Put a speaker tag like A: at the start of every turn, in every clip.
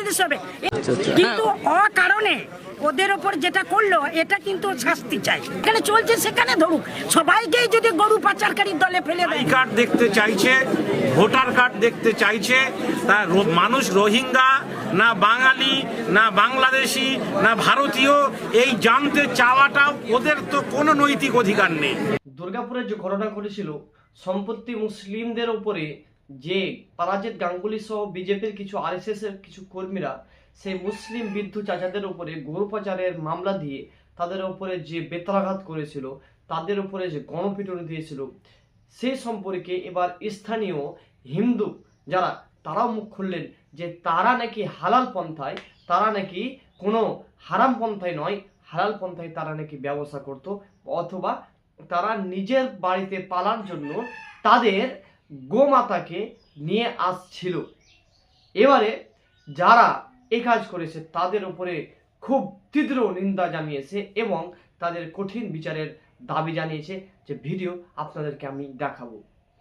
A: বাংলাদেশ হবে, কিন্তু অকারণে ওদের ওপর যেটা করলো এটা কিন্তু শাস্তি চাই। এখানে চলছে সেখানে ধরুক, সবাইকেই যদি গরু পাচারকারীর দলে ফেলে দেয়।
B: কার্ড দেখতে চাইছে, ভোটার কার্ড দেখতে চাইছে, তা মানুষ রোহিঙ্গা না বাঙালি না বাংলাদেশি না ভারতীয় এই জানতে চাওয়াটা ওদের তো কোনো নৈতিক অধিকার নেই।
C: দুর্গাপুরে যে ঘটনা ঘটেছিল, সম্পত্তি মুসলিমদের উপরে যে পারাজিত গাঙ্গুলি সহ বিজেপির কিছু আরএসএস এর কিছু কর্মীরা সেই মুসলিম বিদ্ধু চাচাদের উপরে গরু পাচারের মামলা দিয়ে তাদের উপরে যে বেত্রাঘাত করেছিল, তাদের উপরে যে গণপিটুনি দিয়েছিল, সেই সম্পর্কে এবার স্থানীয় হিন্দু যারা তারাও মুখ খুললেন যে তারা নাকি হালাল পন্থায়, তারা নাকি কোনো হারাম পন্থায় নয়, হালাল পন্থায় তারা নাকি ব্যবসা করত, অথবা তারা নিজের বাড়িতে পালার জন্য তাদের গোমাতাকে নিয়ে আসছিল। এবারে যারা এই কাজ করেছে তাদের উপরে খুব তীব্র নিন্দা জানিয়েছে এবং তাদের কঠিন বিচারের দাবি জানিয়েছে, যে ভিডিও আপনাদেরকে আমি দেখাবো।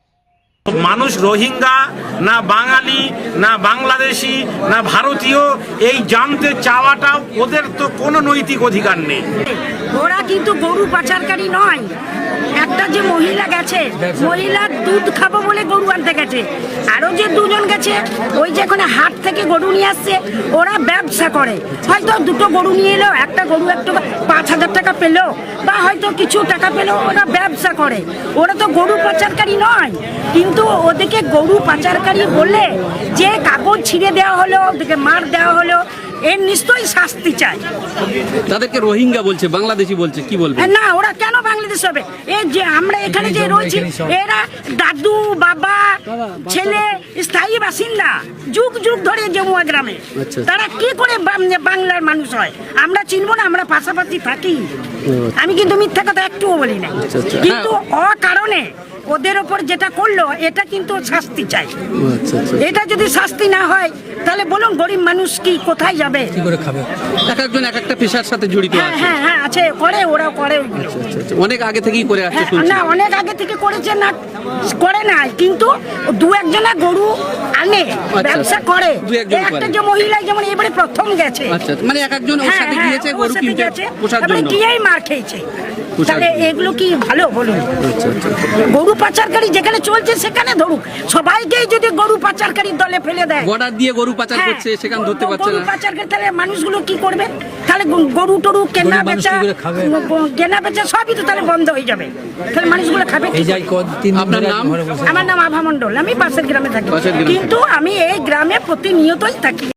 B: মানুষ রোহিঙ্গা না বাঙালি না বাংলাদেশি না ভারতীয় এই জানতে চাওয়াটা ওদের তো কোনো নৈতিক অধিকার নেই।
A: ওরা কিন্তু গরু পাচারকারী নয়। একটা যে মহিলা গেছে, মহিলার দুধ খাবো বলে গরু আনতে গেছে, আরো যে দুজন গেছে ওই যে এখানে হাট থেকে গরু নিয়ে আসছে, ওরা ব্যবসা করে। হয়তো দুটো গরু নিয়ে এলো, একটা গরু একটু 5,000 টাকা পেলো বা হয়তো কিছু টাকা পেলো, ওরা ব্যবসা করে। ওরা তো গরু পাচারকারী নয়, কিন্তু ওদেরকে গরু পাচারকারী বললে যে কাগজ ছিঁড়ে দেওয়া হলো, ওদেরকে মার দেওয়া হলো, এর নিশ্চয়ই শাস্তি চাই।
D: তাদেরকে রোহিঙ্গা বলছে, বাংলাদেশি বলছে, কি বলবে?
A: না, ওরা কেন বাংলাদেশ হবে? এই যে আমরা এখানে যে রয়েছি, এরা দাদু বাবা ছেলে স্থায়ী বাসিন্দা, যুগ যুগ ধরে জমুয়া গ্রামে। তারা কি করে বাংলার মানুষ হয়? আমরা চিনবো না? আমরা পাশাপাশি থাকি। আমি কিন্তু মিথ্যা কথা একটুও বলি না, কিন্তু অকারণে ওদের ওপর যেটা করলো এটা কিন্তু শাস্তি চাই। এটা যদি শাস্তি না হয় তাহলে বলুন গরিব মানুষ কি কোথায় যাবে,
D: কি করে খাবে? এক একজন এক একটা পেশার সাথে জড়িত আছে।
A: হ্যাঁ হ্যাঁ আছে, করে, ওরা করে।
D: অনেক আগে থেকেই করে আসছে।
A: না, অনেক আগে থেকে করেছে না, করে না, কিন্তু দু একজনা গরু আনে, ব্যবসা করে। একটা যে মহিলা যেমন এবারে প্রথম গেছে,
D: মানে এক একজন ওর সাথে গিয়েছে গরু কিনতে, পোষার জন্য
A: গিয়েই মার খেয়েছে। তাহলে এগুলো কি ভালো বলুন? গরু পাচারকারী যেখানে চলছে সেখানে ধরুক, সবাইকেই যদি গরু পাচারকারীর দলে ফেলে দেয়,
D: বর্ডার দিয়ে গরু পাচার করছে, সেখানে ধরতে পারছে না।
A: গরু পাচারকারী, তাহলে মানুষগুলো কি করবে? তাহলে গরু টরু কেনা বেচা সবই তো তাহলে বন্ধ হয়ে যাবে। তাহলে মানুষগুলো খাবে।
D: আপনার নাম?
A: আমার নাম আভা মণ্ডল, আমি পাশের গ্রামে থাকি, কিন্তু আমি এই গ্রামে প্রতিনিয়তই থাকি।